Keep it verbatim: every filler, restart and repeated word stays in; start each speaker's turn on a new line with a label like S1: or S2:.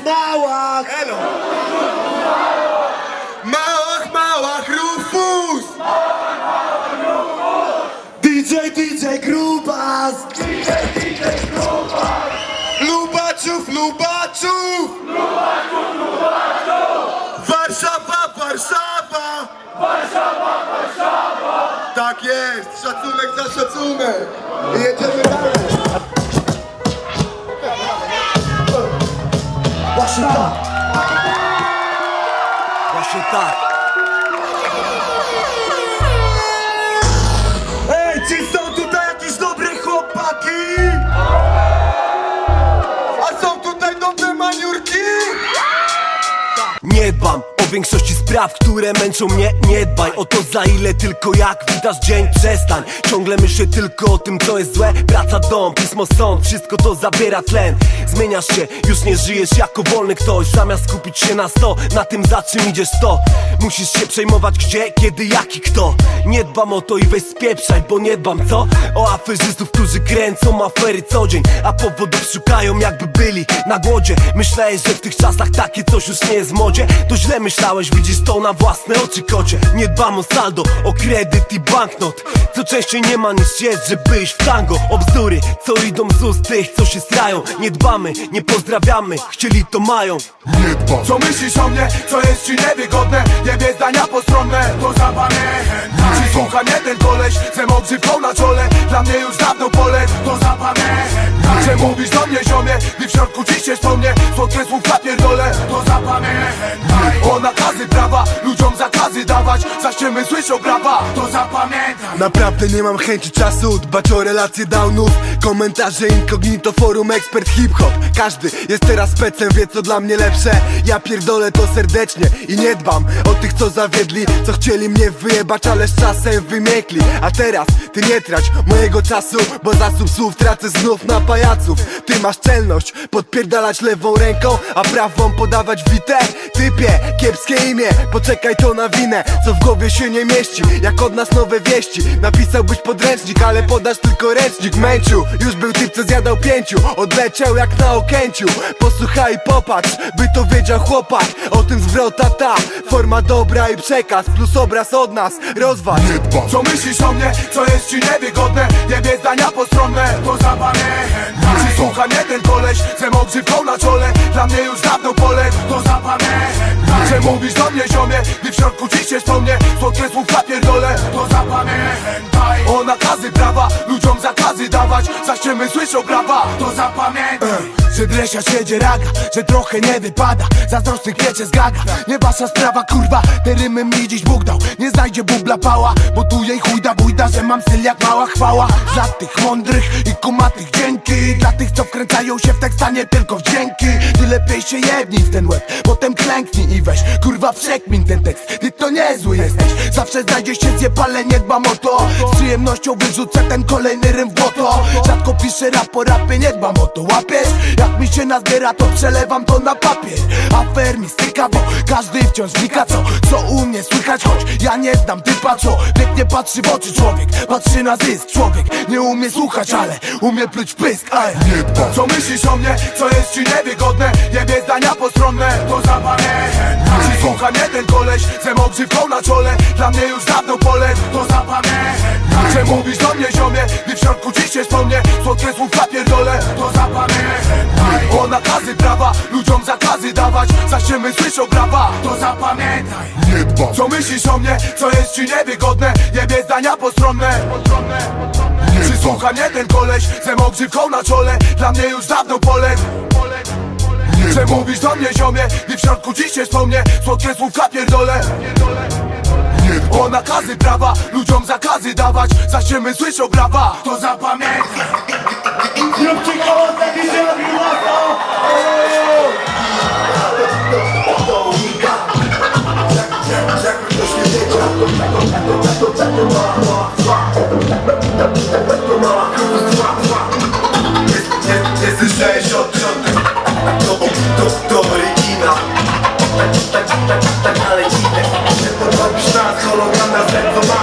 S1: małach.
S2: Elo! Małach, małach, Rufus!
S1: D J, D J Grubas.
S2: Lubaczów, Lubaczów! Warszawa, Warszawa!
S3: Warszawa, Warszawa!
S2: Tak jest, szacunek za szacunek! I jedziemy dalej!
S1: Właśnie tak.
S4: Właśnie tak.
S1: Ej, czy są tutaj jakieś dobre chłopaki?
S2: A są tutaj dobre maniurki?
S4: Nie dbam o większości spraw, które męczą mnie. Nie dbaj o to, za ile, tylko jak witasz dzień. Przestań, ciągle myślę tylko o tym, co jest złe. Praca, dom, pismo, sąd, wszystko to zabiera tlen. Zmieniasz się, już nie żyjesz jako wolny ktoś. Zamiast skupić się na sto, na tym, za czym idziesz, to musisz się przejmować gdzie, kiedy, jak i kto. Nie dbam o to i weź spieprzaj, bo nie dbam, co? O aferzystów, którzy kręcą afery co dzień, a powodów szukają, jakby byli na głodzie. Myślałeś, że w tych czasach takie coś już nie jest w modzie? To źle myślałeś, widzisz to na własne oczy, kocie. Nie dbam o saldo, o kredyt i banknot, co częściej nie ma niż jest, żeby iść w tango. O bzdury, co idą z ust tych, co się strają. Nie dbamy, nie pozdrawiamy, chcieli to mają.
S2: Nie dbam.
S3: Co myślisz o mnie, co jest ci niewygodne? Jebie zdania postronne, to zapamiętaj. Czy słucha mnie ten koleś, ze mą grzywką na czole? Dla mnie już dawno pole, to zapamiętaj. Że mówisz do mnie, ziomie, gdy w środku ciśniesz po mnie słodkie słówka pierdolę, to zapamiętaj. O nakazy prawa, ludziom zakazy dawać, za ściemy słyszą brawa, to zapamiętaj.
S5: Naprawdę nie mam chęci czasu dbać o relacje downów. Komentarze incognito, forum, ekspert hip-hop. Każdy jest teraz specem, wie co dla mnie lepsze. Ja pierdolę to serdecznie i nie dbam o tych, co zawiedli, co chcieli mnie wyjebać, ale z czasem wymiekli. A teraz ty nie trać mojego czasu, bo zasób słów tracę znów na pajaców. Ty masz czelność podpierdalać lewą ręką, a prawą podawać witę. Typie, kiepskie imię, poczekaj to na winę, co w głowie się nie mieści, jak od nas nowe wieści. Napisałbyś podręcznik, ale podasz tylko ręcznik. Męciu, już był typ, co zjadał pięciu, odleciał jak na Okęciu. Posłuchaj i popatrz, by to wiedział chłopak. O tym zwrota ta, forma dobra i przekaz, plus obraz od nas, rozwal.
S2: Nie dbam.
S3: Co myślisz o mnie, co jest ci niewygodne? Jebie zdania postronne, to zapamiętaj. Czy słucha mnie ten koleś, ze mą grzywką na czole? Dla mnie już dawno pole, to zapamiętaj. Że mówisz do mnie, ziomie, gdy w środku ciśniesz po mnie słodkie słówka pierdolę, to zapamiętaj. O nakazy prawa, ludziom zakazy dawać, za ściemy słyszą brawa, to zapamiętaj. Że dresia siedzie raga, że trochę nie wypada, zazdrosnych piecze z gaga. Nie wasza sprawa, kurwa, te rymy mi dziś Bóg dał. Nie znajdzie bubla pała, bo tu jej chujda bójda, że mam styl jak mała chwała. Dla tych mądrych i kumatych dzięki, dla tych, co wkręcają się w tekst, a nie tylko w dźwięki. Ty lepiej się jebnij w ten łeb, potem klęknij i weź, kurwa, przekmin ten tekst. Ty to niezły jesteś, zawsze znajdzie się zjebale, nie dbam o to. Z przyjemnością wyrzucę ten kolejny rym w błoto. Rzadko piszę rap po rapie, nie dbam o to, łapiesz? Jak mi się nazbiera, to przelewam to na papier. Afer mi styka, bo każdy wciąż wnika, co, co u mnie słychać. Choć ja nie znam typa, co pięknie patrzy w oczy człowiek, patrzy na zysk. Człowiek nie umie słuchać, ale umie pluć pysk. Aj.
S2: Nie dbam.
S3: Co myślisz o mnie, co jest ci niewygodne? Jebie zdania postronne, to zapamiętaj. Czy słucha mnie ten koleś, ze mą grzywką na czole? Dla mnie już dawno pole, to zapamiętaj. Że mówisz do mnie, ziomie, gdy w środku ciśniesz po mnie słodkie słówka pierdolę, to zapamiętaj. O nakazy prawa, ludziom zakazy dawać, za ściemy słyszą brawa, to zapamiętaj.
S2: Nie dbam.
S3: Co myślisz o mnie, co jest ci niewygodne? Jebie zdania postronne. Czy słucha mnie ten koleś, ze mą grzywką na czole? Dla mnie już dawno pole. Że mówisz do mnie, ziomie, gdy w środku ciśniesz po mnie słodkie słówka pierdolę. O nakazy prawa, ludziom zakazy dawać, za ściemy słyszą brawa, to zapamiętaj.
S1: Zróbcie koło, taki się robi łatwo.
S5: Nie słyszałeś od rządu, to, to, to oryginał. Tak, tak, tak, tak, tak, ale dziwne. Nie podrobisz nas, hologram na sercu ma.